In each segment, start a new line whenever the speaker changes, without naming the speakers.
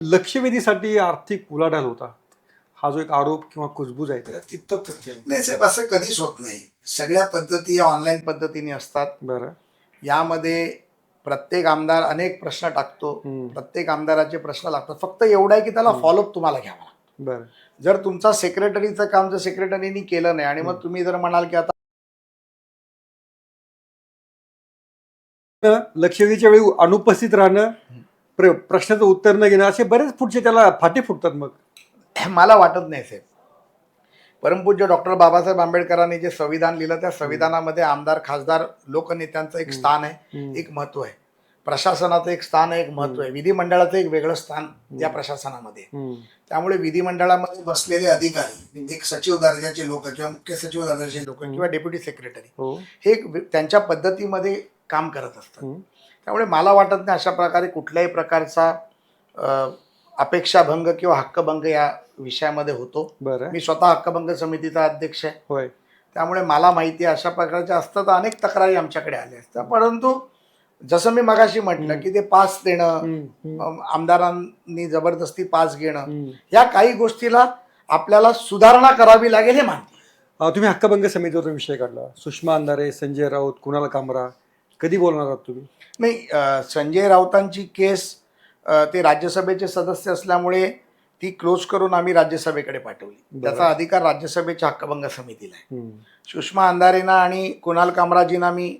लक्षवेधीसाठी आर्थिक उलाढाल होता हा जो एक आरोप किंवा कुजबूज आहे तितकं
नाही साहेब, असं कधीच होत नाही. सगळ्या पद्धती ऑनलाईन पद्धतीने असतात.
बरं.
यामध्ये प्रत्येक आमदार अनेक प्रश्न टाकतो, प्रत्येक आमदाराचे प्रश्न लागतात. फक्त एवढं आहे की त्याला फॉलोअप तुम्हाला घ्यावा लागतो.
बरं.
जर तुमचा सेक्रेटरीचं काम जर सेक्रेटरीनी केलं नाही आणि मग तुम्ही जर म्हणाल की आता
लक्षवेधीच्या वेळी अनुपस्थित राहणं, प्रश्नाचं उत्तर न घेणं, असे बरेच पुढचे त्याला फाटे फुटतात. मग
मला वाटत नाही साहेब. परमपूज्य डॉक्टर बाबासाहेब आंबेडकरांनी जे संविधान लिहिलं त्या संविधानामध्ये आमदार, खासदार, लोकनेत्यांचं एक स्थान आहे, एक महत्व आहे. प्रशासनाचं एक स्थान आहे, एक महत्व आहे. विधिमंडळाचं एक वेगळं स्थान या प्रशासनामध्ये. त्यामुळे विधिमंडळामध्ये बसलेले अधिकारी, एक सचिव दर्जाचे लोक किंवा मुख्य सचिव दर्जाचे लोक किंवा डेप्युटी सेक्रेटरी हे त्यांच्या पद्धतीमध्ये काम करत असतात. त्यामुळे मला वाटत नाही अशा प्रकारे कुठल्याही प्रकारचा अपेक्षाभंग किंवा हक्कभंग या विषयामध्ये होतो. मी स्वतः हक्कभंग समितीचा अध्यक्ष आहे.
होय.
त्यामुळे मला माहिती आहे अशा प्रकारच्या असतात अनेक तक्रारी आमच्याकडे आल्या असतात. परंतु जसं मी मगाशी म्हटलं की ते पास देणं, आमदारांनी जबरदस्ती पास घेणं, या काही गोष्टीला आपल्याला सुधारणा करावी लागेल हे मानते.
तुम्ही हक्कभंग समितीवर विषय काढला. सुषमा अंधारे, संजय राऊत, कुणाल कामरा, कधी बोलणार आहात तुम्ही?
नाही, संजय राऊतांची केस ते राज्यसभेचे सदस्य असल्यामुळे ती क्लोज करून आम्ही राज्यसभेकडे पाठवली. त्याचा अधिकार राज्यसभेच्या हक्कभंग समितीला आहे. सुषमा अंधारेंना आणि कुणाल कामराजींना मी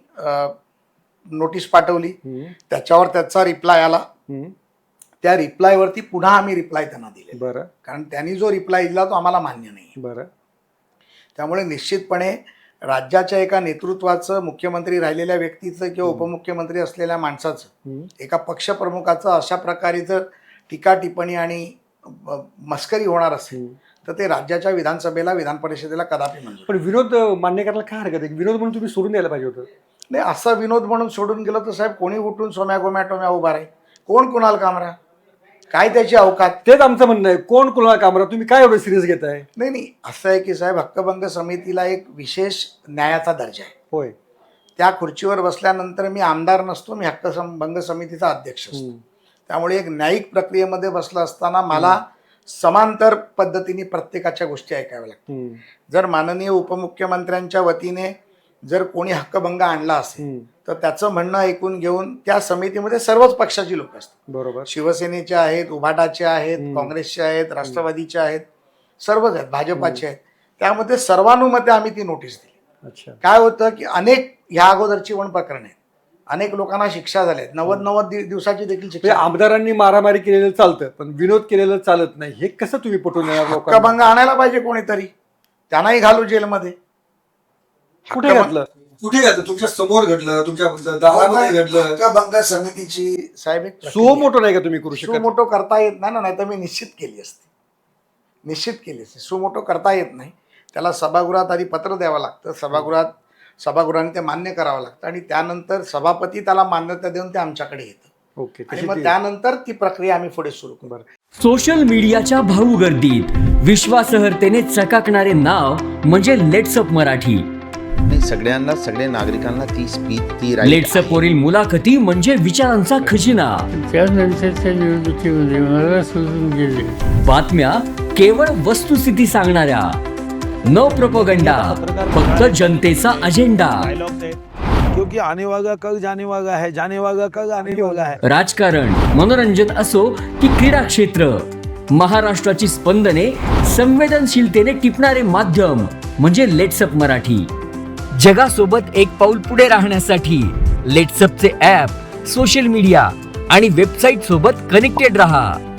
नोटीस पाठवली, त्याच्यावर त्याचा रिप्लाय आला. त्या रिप्लायवरती पुन्हा आम्ही रिप्लाय त्यांना दिले.
बरं.
कारण त्यांनी जो रिप्लाय दिला तो आम्हाला मान्य नाही.
बरं.
त्यामुळे निश्चितपणे राज्याच्या एका नेतृत्वाचं, मुख्यमंत्री राहिलेल्या व्यक्तीचं किंवा उपमुख्यमंत्री असलेल्या माणसाचं, एका पक्षप्रमुखाचं अशा प्रकारे जर टीका टिप्पणी आणि मस्करी होणार असेल तर ते राज्याच्या विधानसभेला, विधान परिषदेला कदापि मंजूर.
पण विनोद मान्य करायला काय हरकत आहे? विनोद म्हणून तुम्ही सोडून द्यायला पाहिजे होतं.
नाही, असा विनोद म्हणून सोडून गेलं तर साहेब कोणी उठून सोम्या गोम्या टोम्या उभा राहील? कोण कुणाल कामरा? काय त्याची अवकात?
तेच आमचं म्हणणं आहे. कोण कुणाल कामरा? तुम्ही काय एवढं सिरियस घेताय?
नाही, असं आहे की साहेब, हक्कभंग समितीला एक विशेष न्यायाचा दर्जा आहे.
होय.
त्या खुर्चीवर बसल्यानंतर मी आमदार नसतो, मी हक्कभंग समितीचा अध्यक्ष असतो. त्यामुळे एक न्यायिक प्रक्रियेमध्ये बसलं असताना मला समांतर पद्धतीने प्रत्येकाच्या गोष्टी ऐकाव्या लागतात. जर माननीय उपमुख्यमंत्र्यांच्या वतीने जर कोणी हक्कभंग आणला असेल तर त्याचं म्हणणं ऐकून घेऊन त्या समितीमध्ये सर्वच पक्षाची लोक असतात.
बरोबर.
शिवसेनेचे आहेत, उभाटाचे आहेत, काँग्रेसचे आहेत, राष्ट्रवादीचे आहेत, सर्वच आहेत, भाजपाचे आहेत. त्यामध्ये सर्वानुमते आम्ही ती नोटीस दिली.
अच्छा.
काय होतं की अनेक ह्या अगोदरची पण प्रकरण आहेत, अनेक लोकांना शिक्षा झाल्या आहेत, 90 दिवसाची देखील शिक्षा.
आमदारांनी मारामारी केलेलं चालतं पण विनोद केलेलं चालत नाही, हे कसं तुम्ही पटवून देणार लोकांना?
हक्कभंग आणायला पाहिजे कोणीतरी, त्यांनाही घालू जेलमध्ये.
कुठे घातलं? तुमच्या समोर घडलं, तुमच्या दारामध्ये घडलं.
हक्कभंग समितीची साहेब एक
सो मोठो नाही का तुम्ही करू शकता?
सुमोटो करता येत नाही ना, नाही तर मी निश्चित केली असते. सुमोटो करता येत नाही. त्याला सभागृहात आधी पत्र द्यावं लागतं, सभागृहाने ते मान्य करावं लागतं आणि त्यानंतर सभापती त्याला मान्यता देऊन ते आमच्याकडे येतं.
ओके.
आणि मग त्यानंतर ती प्रक्रिया आम्ही पुढे सुरू करू.
सोशल मीडियाच्या भाऊ गर्दीत विश्वासार्हतेने चकाकणारे नाव म्हणजे लेट्सअप मराठी.
सगळ्यांना, सगळ्या नागरिकांना ती स्पीच, ती
लेट्सअप वरील मुलाखती म्हणजे विचारांचा खजिना.
त्यानंतरच्या निवडणुकीमध्ये मला सोडून गेले.
बातम्या केवळ वस्तुस्थिती सांगणाऱ्या, न प्रोपगंडा, फक्त जनतेचा अजेंडा.
क्योंकि आने वाला कल जाने वाला है, जाने वाला कल आने वाला है.
राजकारण, मनोरंजन असो की क्रीडा क्षेत्र, महाराष्ट्राची स्पंदने संवेदनशीलतेने टिपणारे माध्यम म्हणजे लेट्सअप मराठी. जगासोबत एक पाऊल पुढे राहण्यासाठी लेट्सअपचे ॲप, सोशल मीडिया आणि वेबसाईट सोबत कनेक्टेड रहा.